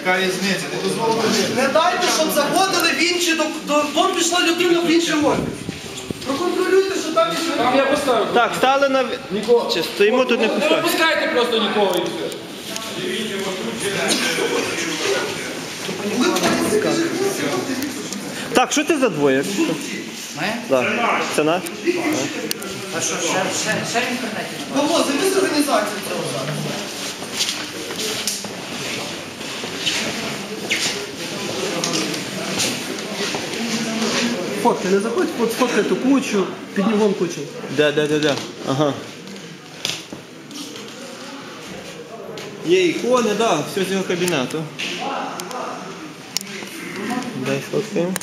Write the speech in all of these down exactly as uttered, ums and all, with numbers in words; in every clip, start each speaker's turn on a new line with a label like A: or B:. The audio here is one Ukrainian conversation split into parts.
A: Яка різниця? Не дозволено.
B: Не дайте, щоб заходили в інші, до, до, до пішла людина в інший офіс. Проконтролюйте, що там є.
C: Там я поставив.
D: Так, стали на...
C: Нікого.
D: Чи стоїмо тут не
C: Не
D: пускаємо?
C: випускайте просто нікого і все.
D: Так, що ти за двоє?
E: Ми?
D: Так. Це наш?
E: А що, ще, ще, ще в інтернеті?
B: Павло, займи з організації цього зараз.
F: Фотки, не заходь, от фоткай ту кучу, піднімом кучу.
D: Де, де, де, де? Ага. Є ікони, так, да, все з його кабінету. Дай фоткаємо.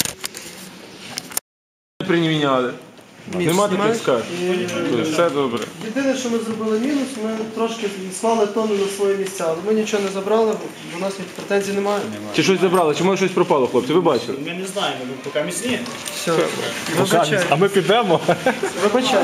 C: Приміняли. Нема таких скарг. Все добре.
F: Єдине, що ми зробили мінус, ми трошки склали тони на свої місця, але ми нічого не забрали, бо у нас претензій немає.
C: Чи щось забрали, чи може щось пропало, хлопці, ви бачили?
G: Ми не знаємо, ми поки міцні.
F: Все, вибачай.
C: А ми підемо.
F: Вибачай.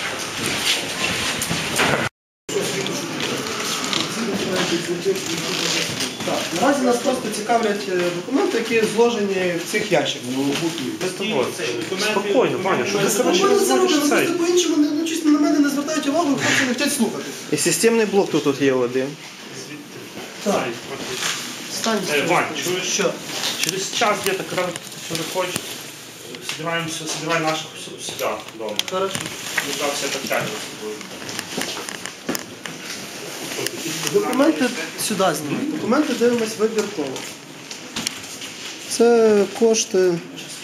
F: Так, наразі нас просто цікавлять е, документи, які зложені в цих ящиках.
G: Спокійно, Ваня, що ти себе
B: Спокійно це робимо, просто по-іншому, не- ну, чесно, на мене не звертають увагу, хлопці не хочуть слухати.
D: І системний блок тут, тут є один.
F: Так. Стань.
G: Е, Вань, чуєш?
F: Що?
G: Через час где-то, когда ты сюда хочешь, собираем, все- собирай наших у себя дома.
F: Хорошо.
G: Мы там все подтягиваем с тобой.
F: Документи сюди знімаємо. Документи дивимось вибірково. Це кошти